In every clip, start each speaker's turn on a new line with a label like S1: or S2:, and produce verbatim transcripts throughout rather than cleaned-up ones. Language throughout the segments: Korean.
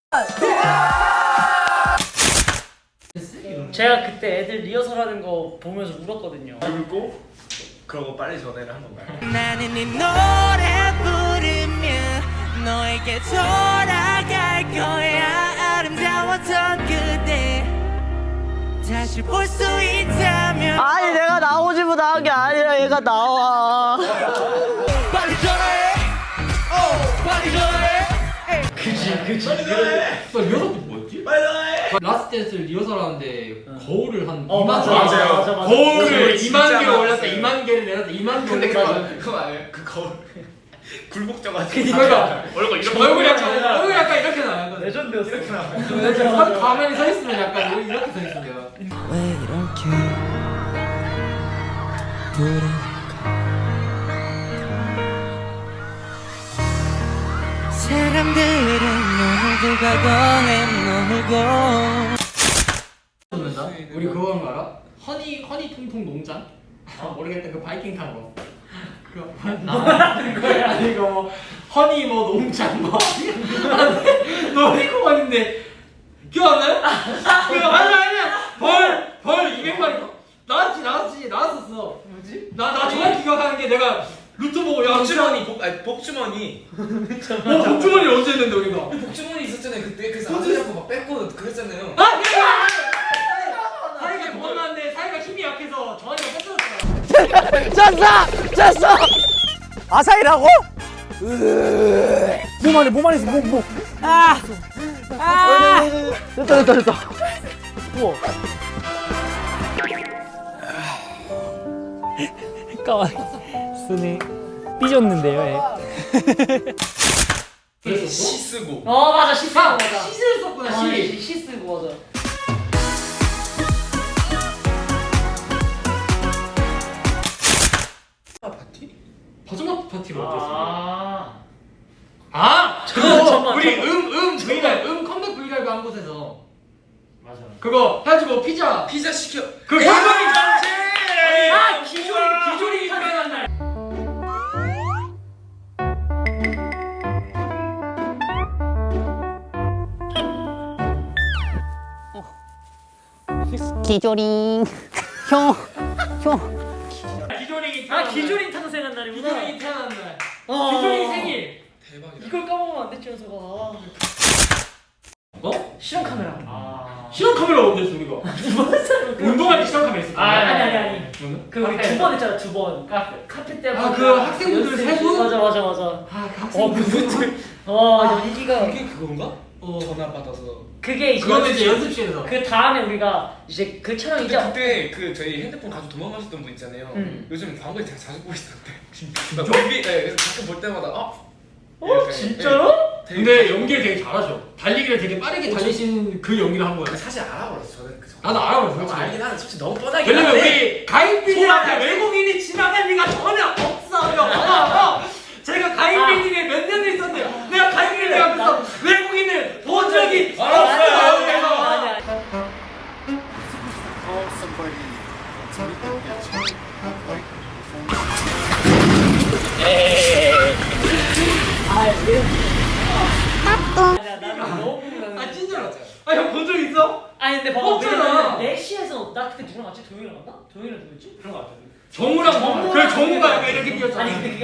S1: 제가 그때 애들 리허설하는 거 보면서 울었거든요.
S2: 울고 그러고 빨리 전화를 한 건가요?
S3: 나는 이 노래 부르며 너에게 돌아갈 거야. 아름다웠던 그대 다시 볼 수 있다면.
S4: 아니 내가 나오지 못한 게 아니라 얘가 나와.
S3: 빨리 전화해. 어, 빨리 전화해.
S1: 그치 그치.
S2: 빨리 전화해.
S5: 너 리허설 때 뭐였지?
S2: 빨리 전화해.
S5: 라스트 댄스 리허설 하는데 거울을 한
S1: 어,
S5: 이만
S1: 맞아,
S5: 개
S2: 맞아요.
S1: 맞아, 맞아.
S5: 거울을
S2: 진짜
S5: 이만 개를
S2: 많았어요.
S5: 올렸다 이만 개를 내렸다 이만 개
S2: 근데
S5: 올렸다.
S2: 그거 그거 아니에요? 그 거울 굴복져가지고
S5: 그러니까
S2: 얼굴 이렇게
S5: 얼굴 약간 얼굴 약간 이렇게 나와요.
S1: 레전드였어.
S2: 이렇게 나와.
S5: 이렇게 서- 가만히 서 있으면 약간 이렇게 서 있어 내가.
S3: 왜 이렇게 불안할까? 사람들은 오늘도 과거에 머물고.
S5: 듣는다? 우리 그거 한거 알아? 허니 허니 통통 농장? 아 모르겠다 그 바이킹 탄 거. 그거 나는 거야 아니 이거 뭐 허니 뭐 농장 뭐 놀이공원인데 기억 안 나요? 그거 아니 아니야 벌벌 이백만 원 나왔지 나왔지 나왔었어. 뭐지? 나 나 정확히 기억하는 게 내가 루트 보고 야
S2: 복주머니 복 아니 복주머니
S5: 어 복주머니 언제 했는데 우리가?
S6: 복주머니 있었잖아요 그때. 그래서 안 잡고 막 뺏고 그랬잖아요.
S5: 아 그래! 사이가 도망갔는데 사이가 힘이 약해서 정한이가 뺏어졌잖아.
S4: 졌어! 졌어! 아사히라고? 몸 안에 몸 안에 있어 몸 몸. 아! 아! 됐다 됐다 됐다. 우와.
S1: 까만. 쓰네. 삐졌는데요,
S6: 시 쓰고.
S1: 어 맞아 시 쓰고
S5: 아,
S1: 맞아.
S5: 시를 썼구나
S1: 아,
S5: 시.
S1: 시, 시 쓰고 맞아.
S6: 파티?
S5: 버즈마트 파티가 어땠어?
S1: 아.
S5: 아!
S1: 잠깐만,
S5: 그거
S1: 잠깐만,
S5: 우리
S1: 잠깐만.
S5: 음음 브이라이브 음 컴백 브이라이브 한 곳에서
S1: 맞아.
S5: 그거 해가지고 피자
S6: 피자 시켜.
S5: 그
S6: 야!
S5: 기조리 장치!
S1: 아,
S5: 기조리 기조리 유명한 날
S4: 기조링. 형. 형.
S5: 기조리
S1: 아 기조린 탄생한 날이구나.
S5: 기조리 태어난 날
S1: 어.
S5: 기조리 생일
S6: 대박이다.
S1: 이걸 까먹으면 안 됐지 현서가.
S5: 어?
S1: 실험 카메라. 아.
S5: 실험 카메라 언제 했어 우리가? 운동할 때 실험 카메라 있었어.
S1: 아니 아니 아니.
S5: 그러면?
S1: 그 우리 두 번 했잖아 두 번. 카페 카페 때.
S5: 아, 그 학생분들
S1: 연습-
S5: 세 분?
S1: 맞아 맞아 맞아.
S5: 아, 그
S1: 어
S5: 학생들
S1: 그분들. 어 연기가.
S6: 그게 그건가?
S5: 어.
S6: 전화 받아서.
S1: 그게 이제
S5: 그거는 이제
S1: 연습실.
S5: 연습실에서.
S1: 그 다음에 우리가 이제 그 촬영
S6: 근데
S1: 이제.
S6: 그때 그 저희 핸드폰 가지고 도망가셨던 분 있잖아요.
S1: 응.
S6: 요즘 광고에 제가 자주 보고 있었는데. 진짜? 뮤비, 네, 그래서 가끔 볼 때마다 어?
S1: 어
S6: 이렇게,
S1: 진짜로?
S6: 되게
S5: 근데 연기를 되게 잘하셔. 달리기를 되게 빠르게 달리신 그 연기를 한 거야.
S6: 사실 알아버렸어 저는. 그
S5: 나도 알아버렸어.
S6: 너무
S5: 솔직히.
S6: 알긴 하는데 솔직히 너무 뻔하긴
S5: 왜냐면
S6: 한데.
S5: 우리 가인 앞에 외국인이 지나갈 리가 전혀 없어요. 어, 어. 제가 가인
S1: 아.
S5: 빌딩에 몇 년을 있었는데 내가 가인 빌딩 앞에서 외국인을 본 적이
S1: 아, 맞아, 맞아,
S5: 없어요.
S1: 맞아. 아니야 나는 너무 궁금해.
S5: 아 진짜로. 아형 본 적 있어?
S1: 아니 근데 봐봐
S5: 없잖아.
S1: 왜냐면 넷시에서 나 그때 누구랑 같이 도영이랑 갔나? 도영이랑 누구였지? 그런 거 같아.
S5: 정우랑
S1: 정우랑
S5: 그 정우가 약간 이렇게 뛰었잖아.
S1: 아니 근데 그게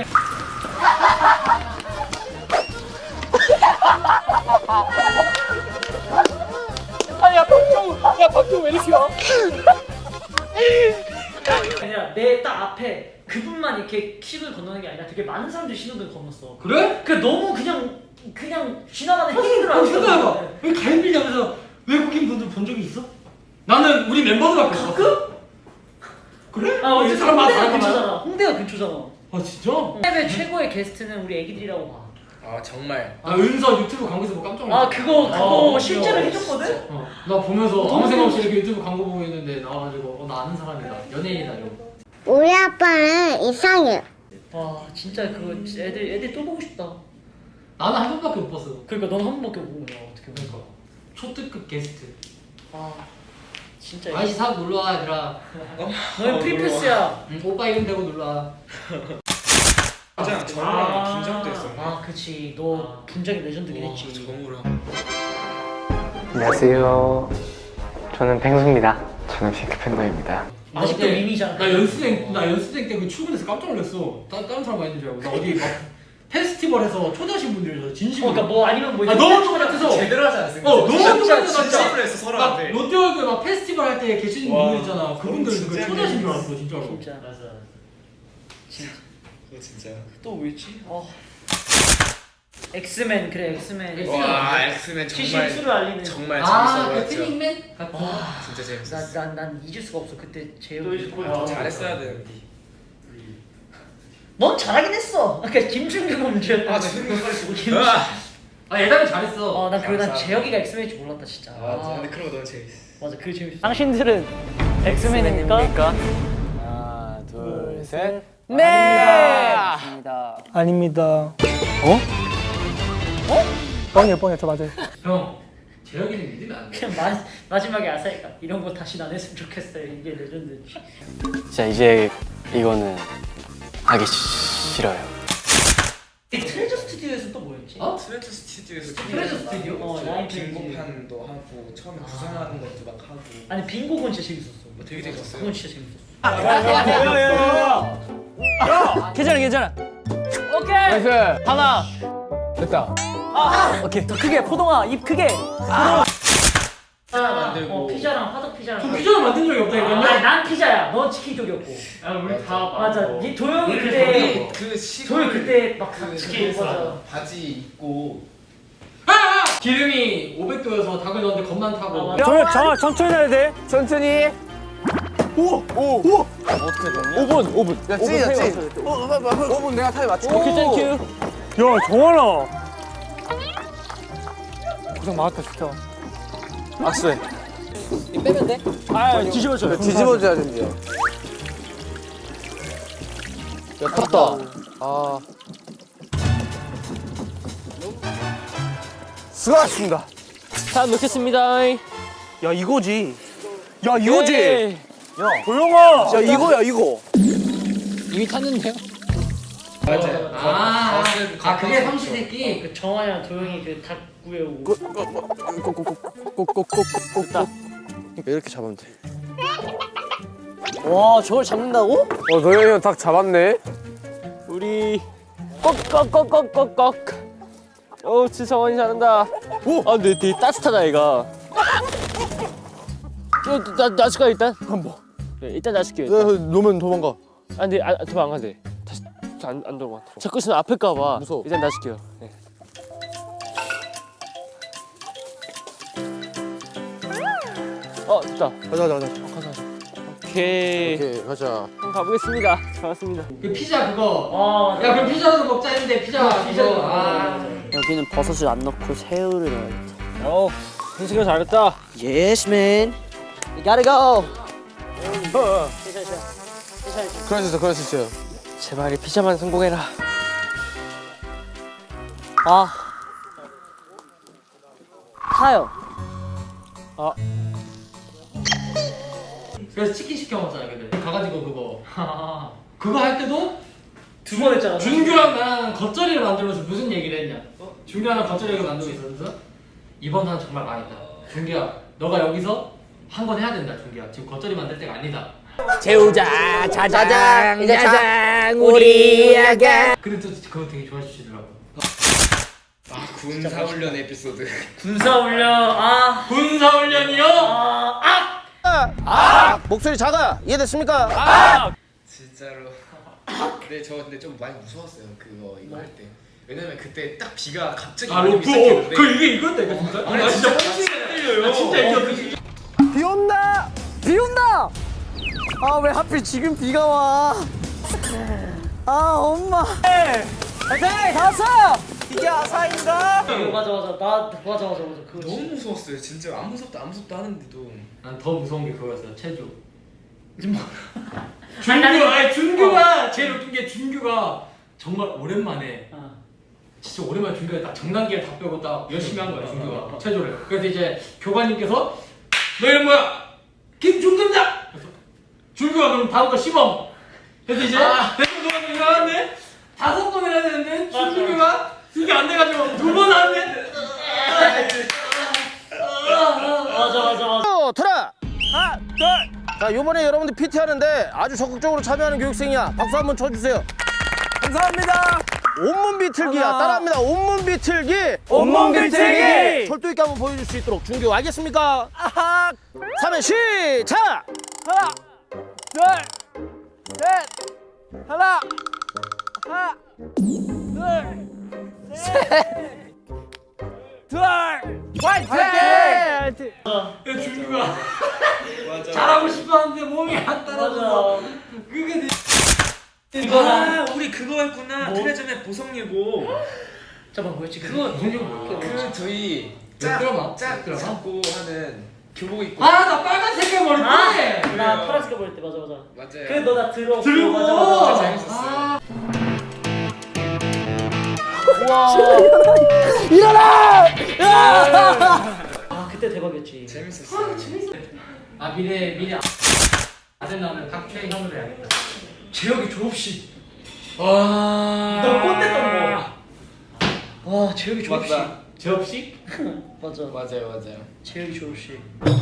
S1: 아니라 내 딱 앞에 그분만 이렇게 킥을 건너는 게 아니라 되게 많은 사람들이 신호등 건넜어.
S5: 그래?
S1: 그 너무 그냥 그냥 지나가는 행인들
S5: 어, 생각해봐. 왜 가인 빌딩 앞에서 외국인 분들 본 적이 있어? 나는 우리 멤버들밖에 없어.
S1: 가끔?
S5: 그래?
S1: 아 어쨌든
S5: 사람마다
S1: 홍대가
S5: 다른 거야?
S1: 근처잖아. 홍대가 근처잖아.
S5: 아 진짜?
S1: 해외 최고의 게스트는 우리 애기들이라고 봐.
S6: 아 정말.
S5: 나 은서 유튜브 광고에서 보고 깜짝 놀랐어.
S1: 아 그거 그거
S5: 아,
S1: 실제로
S5: 귀여워.
S1: 해줬거든?
S5: 어, 나 보면서
S1: 어,
S5: 아무
S1: 너무
S5: 생각 없이 이렇게 유튜브 광고 보고 있는데 나와가지고 어, 나 아는 사람이다. 연예인이다 이러고.
S7: 우리 아빠는 이상해.
S1: 와 진짜 그거 애들 애들 또 보고 싶다.
S5: 나는 한 번밖에 못 봤어.
S1: 그러니까 넌 한 번밖에 못 보냐 어떻게 보니까.
S5: 그러니까 초특급 게스트.
S1: 아 진짜.
S5: 아이씨 사고 놀러와 얘들아.
S1: 너희 프리패스야.
S5: 응, 오빠 이름 대고 놀러와.
S6: 진짜 정우랑 긴장도 했어.
S1: 아 그치 너 분장이 레전드긴
S6: 와,
S1: 했지.
S6: 정우랑.
S8: 안녕하세요. 저는 펭수입니다. 저는 핑크팬더입니다.
S1: 아직도
S5: 나 그때-
S1: 밈이잖아.
S5: 나 연수생 나 연수생 때 그 출근해서 깜짝 놀랐어. 다, 다른 사람 많이 있는 줄 알고. 나 어디 막 페스티벌에서 초대하신 분들이 진심으로.
S1: 어, 그러니까 뭐 아니면 뭐
S5: 아 너무 똑같아서.
S2: 제대로 하지 않습니까?
S5: 어 너무
S2: 진짜
S5: 똑같아서
S2: 진심으로 했어 서로
S5: 막
S2: 한테.
S5: 롯데월드 막 페스티벌 할 때 계시는
S2: 와,
S5: 분들 있잖아. 그분들 그
S2: 진짜
S5: 초대하신 줄 알았어 진짜로.
S1: 진짜 맞아. 진짜
S2: 그거 진짜.
S1: 또 뭐였지? 어. 엑스맨 그래 엑스맨.
S5: 엑스맨.
S2: 와 엑스맨 정말
S1: 시즌이를 알리는.
S2: 정말
S5: 아, 그
S2: 재밌어 보였죠.
S5: 트닝맨 같은.
S1: 와.
S2: 진짜 재밌었어.
S1: 난난 잊을 수가 없어 그때 재혁이.
S6: 또 잊을 거야.
S1: 아,
S2: 잘했어야 되는데.
S1: 넌 잘하긴 했어. 그러니까 김준규가 문제였다.
S2: 아 재밌는
S1: 김.
S2: 아,
S5: 아 예담이 잘했어.
S1: 어, 난 그리고 난
S2: 감사합니다.
S1: 재혁이가 엑스맨일 줄 몰랐다 진짜.
S2: 아 근데 그런 거 너무 재밌어.
S1: 맞아, 그게 재밌어. 당신들은 엑스맨입니까?
S3: 하나 둘 셋.
S4: 네.
S3: 아닙니다.
S4: 아닙니다. 어? 어? 뻥이야 뻥이야 저 맞아요.
S5: 형 재혁이는 믿으면 안 돼.
S1: 그냥 마, 마지막에 아사히가 이런 거 다시 안 했으면 좋겠어요. 이게 레전드지.
S8: 자 이제 이거는 하기 싫어요.
S1: 이 트레저 스튜디오에서 또 뭐였지?
S5: 어?
S2: 트레저 스튜디오에서
S5: 트레저 스튜디오?
S1: 어, 라인 트레저.
S2: 빙고판도 하고 처음에 구상하는 것도 막 하고.
S1: 아니 빙고건 진짜 재밌었어.
S2: 뭐 되게 재밌었어요.
S1: 그건 진짜 재밌었어.
S3: 괜찮아 괜찮아. 오케이. 하나. 됐다. 오케이. 더 크게 포동아 입 크게.
S2: 피자 만들고.
S1: 어, 피자랑 화덕 피자랑.
S5: 저 피자를 만든 적이
S1: 아,
S5: 없다니까요.
S1: 난 피자야. 넌 치킨 쪽이었고.
S5: 아 우리 다
S1: 맞아. 이 도영이
S5: 우리
S1: 그때
S2: 그 시골
S1: 도영이 그때 막
S2: 그
S1: 치킨
S2: 그거
S1: 맞아.
S2: 바지 입고
S5: 기름이 오백 도여서 닭을 넣었는데 겁나 타고.
S1: 아, 맞아.
S4: 저, 저 천천히 해야 돼. 천천히.
S3: 오 분 오 분. 야 찌야 찌. 오 분 내가 타임 맞춰. 오케이 땡큐.
S4: 야 정원아. 고생 많았다 진짜.
S3: 악수해.
S4: 빼면 돼? 아 뒤집어줘.
S3: 뒤집어줘야 된대요. 야 탔다. 아. 수고하셨습니다. 다 넣겠습니다.
S4: 야 이거지. 야 이거지.
S3: 예.
S4: 야 도영아.
S3: 야 이거야 이거.
S8: 이미 탔는데요?
S2: 맞아요.
S5: 아,
S2: 겉은
S5: 아 그게
S2: 겉은
S5: 삼시세끼.
S1: 그 정환이랑 도영이 그 닭 구해오고.
S3: 꼭꼭꼭꼭꼭꼭꼭꼭. 이렇게 잡으면 돼. 와 저걸 잡는다고? 어 도영이 형 닭 잡았네. 우리 꼭꼭꼭꼭꼭꼭. 오 진짜 성원이 잘한다. 오! 아 근데 되게 따뜻하다 얘가. 어, 나 놔줄까 일단? 한번. 네, 일단 놔줄게. 일단.
S9: 놓으면 도망가.
S3: 아 근데 안 도망 안 돼. 다시 안, 안 도망. 자꾸 있으면 아플까봐.
S9: 무서워.
S3: 일단 놔줄게요. 네. 어 됐다.
S9: 가자 가자 가자.
S3: 오케이.
S9: 오케이 가자.
S3: 한번 가보겠습니다. 좋았습니다.
S5: 그 피자 그거.
S1: 아, 맞아.
S5: 야 그럼 피자도 먹자 했는데 피자
S1: 피자.
S5: 그거. 아.
S3: 여기는 버섯을 안 넣고 새우를 넣어야겠다. 어, 현식이 잘했다. Yes, man. You gotta go.
S9: 그럴 수 있어 그럴 수 있어요.
S3: 제발 이 피자만 성공해라. 아. 타요. 아.
S5: 그래서 치킨 시켜 먹잖아 근데 가가지고 그거. 그거 할 때도
S1: 두 번 했잖아.
S5: 준규랑 나랑 겉절이를 만들면서 무슨 얘기를 했냐? 어? 준규랑 나랑 겉절이를 만들고 있었어. 이번 판 정말 망했다. 준규야, 너가 여기서 한 건 해야 된다. 준규야, 지금 겉절이 만들 때가 아니다.
S3: 재우자, 자장, 자장, 우리에게.
S5: 근데 또 그거 되게 좋아해 주시더라고.
S2: 아 군사훈련 에피소드.
S1: 군사훈련. 아.
S5: 군사훈련이요?
S1: 아. 아.
S3: 아, 목소리 작아. 이해됐습니까? 아!
S2: 진짜로. 근데 저 근데 좀 많이 무서웠어요 그거 이거 할 때. 왜냐면 그때 딱 비가 갑자기
S5: 아
S2: 많이
S5: 로프.
S2: 시작했는데.
S5: 그 이게 이건데 이거 진짜?
S2: 아니,
S5: 나 진짜
S2: 진짜
S5: 뻥치게 들려요. 나 진짜 이거 진짜.
S4: 비 온다. 비 온다. 아 왜 하필 지금 비가 와? 아 엄마. 오케이 다 왔어. 이게 아사인가?
S1: 맞아 맞아. 나 맞아 맞아 맞아. 그거
S2: 너무 무서웠어요 진짜. 안 무섭다 안 무섭다 하는데도.
S5: 난 더 무서운 게 그거였어. 체조.
S1: 뭐.
S5: 준규, 아니 준규가 제일 웃긴 게 준규가 정말 오랜만에
S1: 어.
S5: 진짜 오랜만에 준규가 딱 정단기를 다 빼고 딱 열심히 한 거야 준규가 체조를. 그래서 이제 교관님께서 너 이름 뭐야? 김준규입니다. 그래서 준규가 그럼 다음 거 시범. 그래서 이제 대충 누가 일어났네. 다섯 번 해야 되는데 준규가 이게 안 돼가지고 두 번 하는데.
S4: 자, 요번에 여러분들 피티 하는데 아주 적극적으로 참여하는 교육생이야. 박수 한번 쳐주세요.
S3: 감사합니다.
S4: 온몸 비틀기야.
S3: 하나.
S4: 따라합니다. 온몸 비틀기.
S3: 온몸 비틀기.
S4: 철도 있게 한번 보여줄 수 있도록 준규 알겠습니까?
S3: 아하.
S4: 삼 회 시작.
S3: 하나, 둘, 셋. 하나, 하나, 둘, 셋, 둘. 화이팅! 화이팅!
S5: 야, 준규가 잘하고 싶었는데 몸이 안 따라줘서 그게 되...
S6: 아 우리 그거 했구나. 트레저맨 보성예고.
S1: 잠깐 뭐였지?
S5: 그거 무슨 일 뭐야?
S2: 그 저희
S5: 몇 드라마?
S2: 짝
S5: 몇 드라마?
S2: 잡고 하는 교복 입고.
S5: 아, 나 빨간 색깔 머리
S1: 아!
S5: 때.
S1: 나 파란색 버릴 때 맞아 맞아.
S2: 맞아요.
S1: 그래 너 나 들어.
S5: 들고.
S1: 맞아 맞아.
S2: 진짜 재밌었어요.
S5: 아,
S1: 아 그때 대박이었지.
S2: 재밌었어요.
S5: 아 미래 미래 아들 나오면 각주행 현으로 해야겠다. 재혁이 졸업식. 와.
S1: 너 꼰대 떠는 거. 와 재혁이 졸업식.
S2: 맞다.
S5: 재업식?
S1: 맞아.
S2: 맞아요, 맞아요.
S1: 재혁이 졸업식.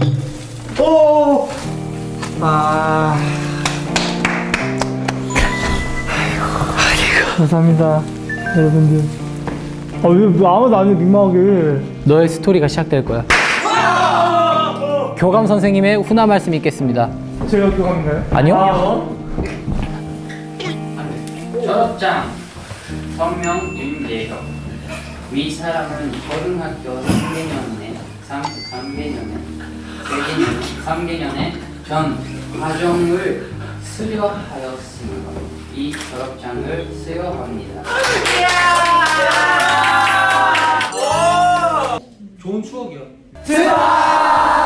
S10: 감사합니다 여러분들. 아, 왜, 왜 아무도 안 해, 민망하게.
S8: 너의 스토리가 시작될 거야. 교감 선생님의 훈화 말씀 있겠습니다.
S10: 제가 교감인가요?
S8: 아니요?
S11: 졸업장 성명 윤재혁. 위 사람은 고등학교 삼 개년에 삼, 삼 개년에 세 개년 삼 개년에 전 과정을 수료하였으므로 이 졸업장을 수여합니다.
S5: 좋은 추억이야.